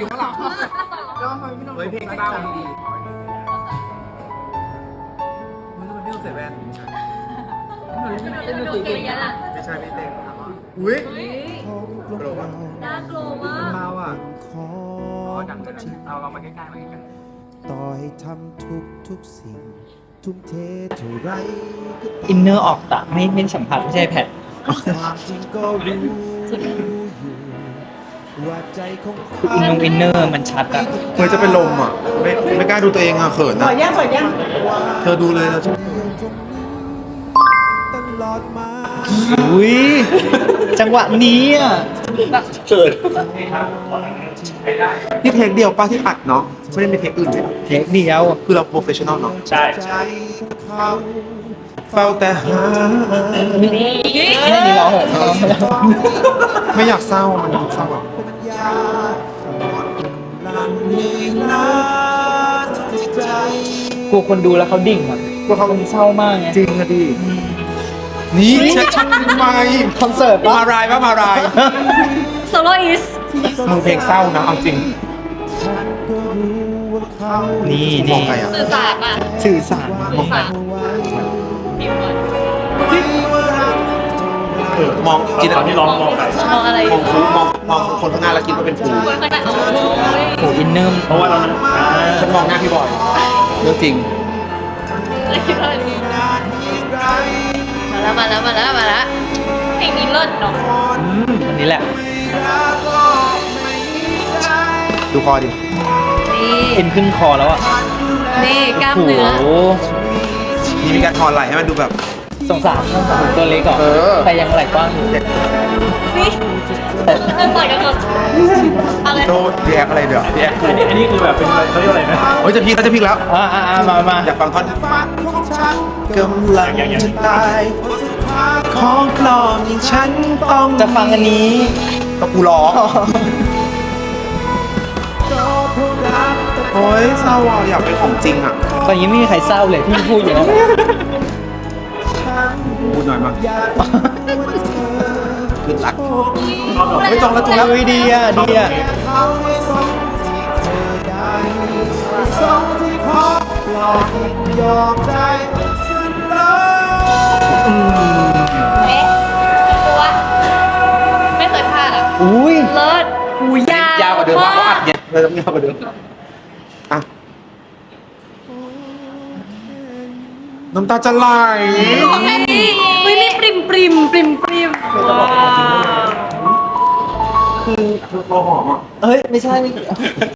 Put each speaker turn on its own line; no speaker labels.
อยู่ข้างหลังแล้วทำไมพี่น้องเพลงเศร้าดีมันจะเป็นพี่น้องใส่แว่น
จะดูเก่งยันอ่ะ
ไม่ใช่พี่เต้อุ้ยโกรธอ่ะ
น่ากลัวมาก
เมาอ่ะ
ดังเลยเรามาใกล้ๆมาใกล้
ต่อให้ทำทุกสิ่ง ทุ่มเทเท่าไรก็ตาม
อินเนอร์ออกตะไม่สัมผัสไม่ใช่แพท
ความจริงก็รู้อยู่ว่าใจของเขา
อินเนอร์มันชัดอะ
เคยจะเป็นลมอ่ะไม่กล้าดูตัวเองอ่ะเขินอ่ะเธอดูเลยนะ
ตลอดมา
อุ้ยจังหวะนี้อะ
เขินนี่เทคเดียวป้าที่อัดเนาะไม่ได้มีเทคอื่นเลย
เทคเดียว
คือเราโปรเฟชชั่นอลเนาะ
ใช่
ใจของเขา
เฝ้าแต่หา
ไม่ได้ร้องเหรอ
ไม่อยากเศร้ามันเศร้าอ่ะ
ปัญญาหมดกำลังนี้นะจิตใจ
กลัวคนดูแล้วเขาดิ่งอะกลัวเขาคนเศร้ามากไง
จริงอะดินี่เช็คช่องทำไม
คอนเสิร์ตปะ
มารายปะมาราย
โซโลอิส
มึงเพลงเศร้านะเอาจริง
ฉันก็รู้ว่าเขา
นี่
มอ
นี่
งใครอ่ะ
สื่อสารอ่ะ
สื่อสาร
สื่อสาร
เอาไว้
พิมพ์ก่อน
มองจินตนาการ
มองอะไร
มองครูมองคนข้างหน้าแล้วคิดว่าเป็นครู
คนขนาดโอ้ย
โหอินเนอร์เพราะว่าเรา
ฉันมองหน้าพี่บอยเรื่องจริง
อะไรคิดว่าดีมาแล้วเพลงนี้เลิศเนาะ
อันนี้แหละ
ดูคอดิ
นี่
เอ็นขึ้นคอแล้วอะ
นี่กล้าม
โอ้โห
เนื้อ
นี่มีการทอนไหล่ให้มันดูแบบ
สงสารตัวเล็กก่อน
เออ
แต่ยังไหล่กว้างอยู่
นี่
แต่
ต่อยกันหมดอะไร
โดนแยกอะไรเดี๋ยว
อันนี้คือแบบเป็นเขาเรียกอะไรนะ
เฮ้ยจะพีกแล้วจะพีกแล้ว
มา
อยากฟังท่อน
ฝันของฉัน
กำลังจะตายของปลอมอย่างฉันต้อง
จะฟังอันนี้
ก็กูร้องโอ้ยเศร้าอ่ะอยากเป็นของจริงอ่ะ
ตอนนี้ไม่มีใครเศร้าเลยที่พูดอย่างนั้น
พูดหน่อยมั้ง
อยากรู้ว่าเธอ
คือรักไม่จองแล้วจองแล้ว
อุ้ยดีอ่ะดีอ่ะ
เขาไม่สมที่เธอได้สมที่ขอหลอกยอมได้สิ้นเลย
เอ๊ะตัวไม่เคยพลาดอ่ะ
อุ้ย
เลิศหูยาวย
าวกว่าเดิมมากเขาอัดเย็นเลยต้องยาวกว่าเดิมอ่ะน้ำตาจะไหล
ของแค่นี้อุ้ยมีปริมว้าว
คือตัวหอมอ่ะ
เฮ้ย ไม่ใช่